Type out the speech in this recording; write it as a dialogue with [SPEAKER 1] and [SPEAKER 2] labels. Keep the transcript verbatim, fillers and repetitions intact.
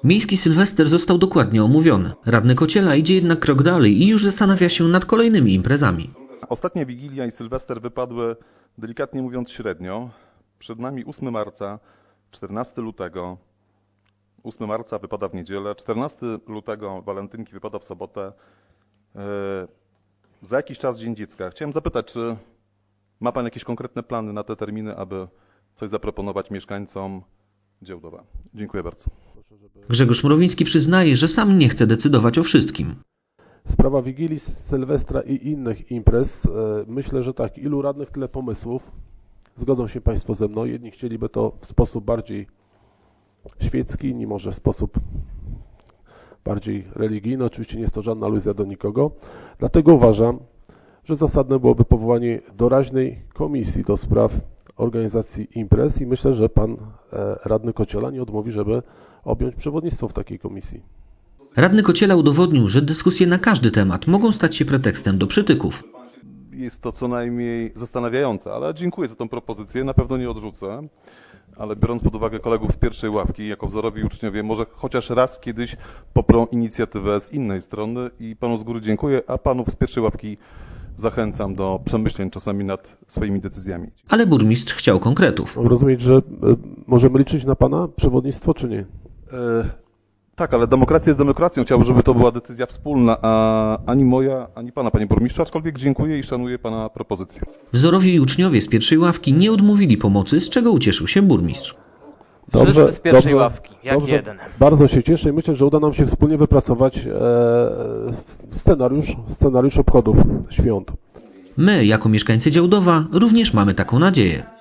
[SPEAKER 1] Miejski Sylwester został dokładnie omówiony. Radny Kociela idzie jednak krok dalej i już zastanawia się nad kolejnymi imprezami.
[SPEAKER 2] Ostatnia Wigilia i Sylwester wypadły, delikatnie mówiąc, średnio. Przed nami ósmego marca, czternastego lutego. ósmego marca wypada w niedzielę, czternastego lutego walentynki wypada w sobotę. Yy, za jakiś czas Dzień Dziecka. Chciałem zapytać, czy ma Pan jakieś konkretne plany na te terminy, aby coś zaproponować mieszkańcom Działdowa? Dziękuję bardzo.
[SPEAKER 1] Grzegorz Mrowiński przyznaje, że sam nie chce decydować o wszystkim.
[SPEAKER 3] Sprawa Wigilii, Sylwestra i innych imprez, myślę, że tak, ilu radnych, tyle pomysłów. Zgodzą się Państwo ze mną. Jedni chcieliby to w sposób bardziej świecki, inni może w sposób bardziej religijny. Oczywiście nie jest to żadna aluzja do nikogo. Dlatego uważam, że zasadne byłoby powołanie doraźnej komisji do spraw organizacji imprez i myślę, że Pan radny Kociela nie odmówi, żeby objąć przewodnictwo w takiej komisji.
[SPEAKER 1] Radny Kociela udowodnił, że dyskusje na każdy temat mogą stać się pretekstem do przytyków.
[SPEAKER 2] Jest to co najmniej zastanawiające, ale dziękuję za tą propozycję, na pewno nie odrzucę. Ale biorąc pod uwagę kolegów z pierwszej ławki, jako wzorowi uczniowie, może chociaż raz kiedyś poprą inicjatywę z innej strony i Panu z góry dziękuję, a Panów z pierwszej ławki zachęcam do przemyśleń czasami nad swoimi decyzjami.
[SPEAKER 1] Ale burmistrz chciał konkretów.
[SPEAKER 3] Mam rozumieć, że możemy liczyć na Pana przewodnictwo, czy nie?
[SPEAKER 2] E, tak, ale demokracja jest demokracją. Chciałbym, żeby to była decyzja wspólna, a ani moja, ani Pana, Panie Burmistrzu, aczkolwiek dziękuję i szanuję Pana propozycję.
[SPEAKER 1] Wzorowi uczniowie z pierwszej ławki nie odmówili pomocy, z czego ucieszył się burmistrz.
[SPEAKER 3] Dobrze,
[SPEAKER 4] Wszyscy z pierwszej
[SPEAKER 3] dobrze,
[SPEAKER 4] ławki, jak
[SPEAKER 3] dobrze.
[SPEAKER 4] jeden.
[SPEAKER 3] Bardzo się cieszę i myślę, że uda nam się wspólnie wypracować e, scenariusz, scenariusz obchodów świąt.
[SPEAKER 1] My, jako mieszkańcy Działdowa, również mamy taką nadzieję.